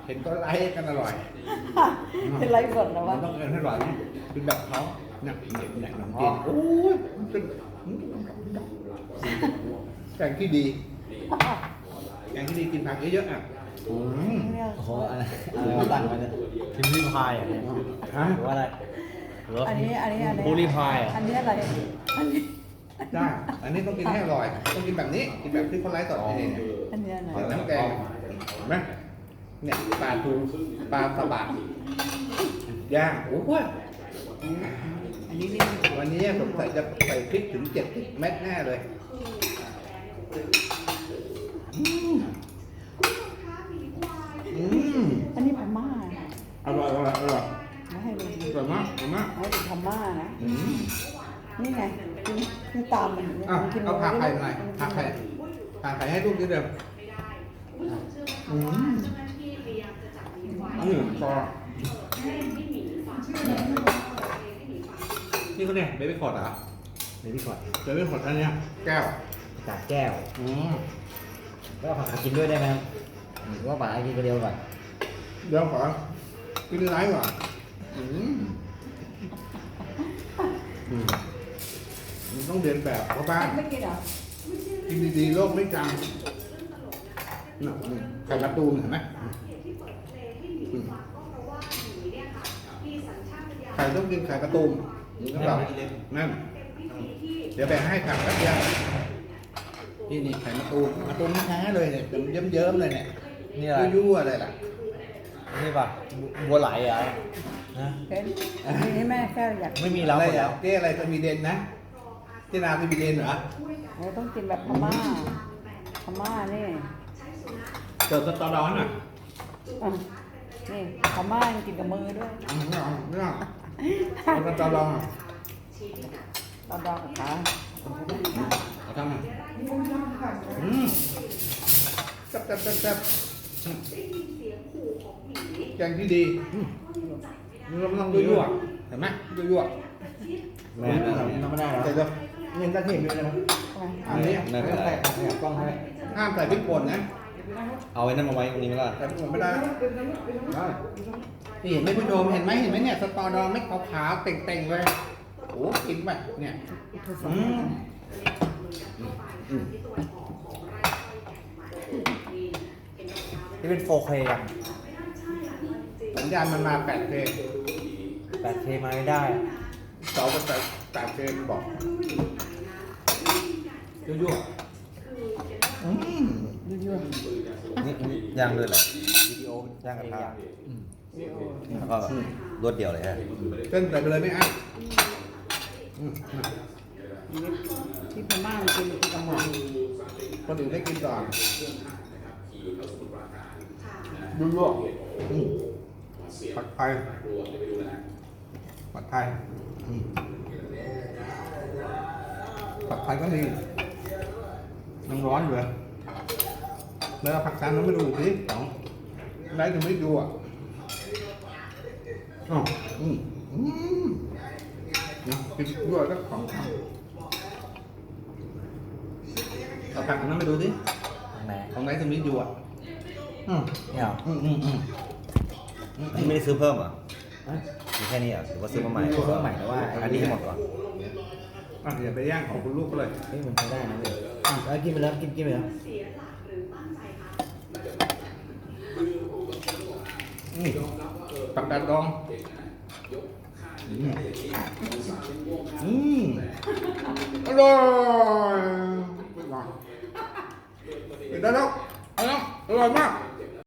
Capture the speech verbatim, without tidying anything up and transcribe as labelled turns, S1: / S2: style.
S1: ห็นก็ไลค์กันอร่อย
S2: เป็นไรสดนะ
S1: มั
S2: วะ
S1: นต้องเอินให้อร่อยนะเป็นแบบเขาเนี่ยเนี่ยเนี่ยขนมจีนโอ้ยมันเป็นแกงที่ดีแกงที่ดีกินผักเยอะๆอ่ะอืม
S3: โอ้โหอะไรอะไรมาตั้งมาเนี่ยพิมพ์รีพายอ่ะเนี่ย
S1: ฮะ
S3: หรือว่าอะไรหรือว่า
S2: อันนี้อันนี้อันนี้
S3: พูรีพายอ่ะ
S2: อันนี้อะไรอันนี้
S1: ได้อันนี้ต้องกินให้อร่อยต้องกินแบบนี้กินแบบที่คนไลฟ์สดนี่เนี่ย
S2: อันนี้อะไร
S1: เดี๋ยวน้ำแกงเห็นไหมเนี่ยปลาทูปลาสบะย่างโอ้โหอันนี้นี่วันนี้ผมใส่จะใส่พริกถึงเจ็ดสิบเม็ดแน่เลยอืมอืม
S2: อันนี้พม่า
S1: อร่อยอร่อยอร่อย
S2: ไม่ให้ดู
S1: อร่อยมากอร่อยมาก
S2: ให้ดูพม่านะ
S1: อืม
S2: นี่ไงกินนี่ตามมันเนี่ย
S1: อ่ะ
S2: มันกิน
S1: เอาผักไข่หน่อยผักไข่ผักไข่ให้ลูกนิดเดียวอืมอืมพอนี่เขาเนี่ยเบบี้คอร์ดเหรอ
S3: เดี๋ยวพี่ก่อน
S1: เบบี้คอร์ดอันเนี้ยแก้ว
S3: จากแก้ว
S1: อืม
S3: แล้วเอาผักกาดกินด้วยได้ไหมครับหรือว่าผักกาดกินคนเดียวก่อน
S1: เดี๋ยวขอกินไลฟ์ก่อนอืมอืมมันต้องเรียนแบบเพราะบ้าน
S2: ไม่กินเหรอ
S1: กินดีๆโลกไม่จำน่ะนี่ไข่การ์ตูนเห็นไหมอืมไข่ต้องกินไข่การ์ตูนนี่ก็แบบนั่นเดี๋ยวแบ่งให้ผักแป๊บเดียวนี่นี่ไข่การ์ตูนการ์ตูนแท้ๆเลยเนี่ยเยิ้มๆเลยเนี่ย
S3: นี่อะไร
S1: ยั่วๆอะไรล่ะ
S3: นี่ป่ะบัวไหลเหรอ่ะนะ
S2: เป็นนี่นี่แม่แค่อยาก
S3: ไม่มีแล้ว
S1: อะไร
S3: หมดแล้
S1: อ่ะ
S3: ว
S1: เจ๊อะไรสวีเดนนะเจ๊นาสวีเดนเหรอ
S2: เราต้องกินแบบพม่าพม่านี่
S1: เกิดสตอร้อนอ่ะ
S2: อ่ะนี่พม่ายังกินกับมือด้วย
S1: อืมไม่เอาไม่เอาเอาสตอร้อนอ่ะ
S2: ตอนดองกับขา
S1: เอาทำอ่ะอืมแซ่บแซ่บแซ่บแซ่บแกงที่ดีอืมเราไม่ต้องยั่วๆเห็นไหมยั่ว
S3: แม่ทำไม่ได้
S1: ๆ
S3: แล้ว
S1: แต่จะเงินกระเทียมด้วยนะ
S2: ทำไม
S1: อันนี้
S3: ไม่เป็นไรเนี่ยกล้องให้
S1: ห้ามใส่พริกป่นนะ
S3: เอาไว้นั่นมาไว้ตรงนี้ไหมล่ะ
S1: ใส่พริกป่นไม่ได้ได้นี่เห็นไหมผู้ชมเห็นไหมเห็นไหมเนี่ยสตอดองไม่ขาวๆเต่งๆเลยโอ้กินไปเนี่ยอืมอืม
S3: นี่เป็น โฟร์เค กัน
S1: สัญญาณมันมาแปดเค
S3: แปดเค มาไม่ได้
S1: เสาก็ใส่แปดเคบอกยั่วๆอืม
S2: ยั่ว
S4: นี่นี่ย่างด้วยเหรอวิดีโอย่างกระทะแล้วก็รวดเดียวเลยฮะ
S1: เส้นใส่ไปเลยไม่อั้นอืม
S2: ๆที่พม่ามันกินกินกับมือ
S1: คนอื่นได้กินก่อนยั่วๆอืมผัดไทยผัดไทยอืมผัดไทยก็มีน้ำร้อนอยู่เลยแล้วเอาผักชาน้ำไม่ดูสิสองได้ถึงไม่ดูอ่ะอ๋ออืมอืมนะกินด้วยก็ของข้าวเอาผักอันนั้นไปดูสิ
S3: ทางไหน
S1: ของไหนถึงไม่ดูอ่ะอืม
S3: เนี่ยเหรอ
S1: อืมอืมอืม
S4: นี่ไม่ได้ซื้อเพิ่มเหรอ่ะ
S3: ฮะ
S4: มีแค่นี้เหรอ่ะหรือว่าซื้อมาใหม่
S3: ซื้อมาใหม่แต่ว่า
S4: อันนี้ให้หมดก่อน
S1: อ่ะอย่าไปย่างของคุณลูกก็เลย
S3: เฮ้ยมันใช้ได้นะเว้ยอ่ะแล้วกินไปแล้วกินกินไปแล้ว
S1: อืมผักกาดดองอืมอืมอร่อยไปก่อนไปได้แล้วเอาแล้วอร่อยมาก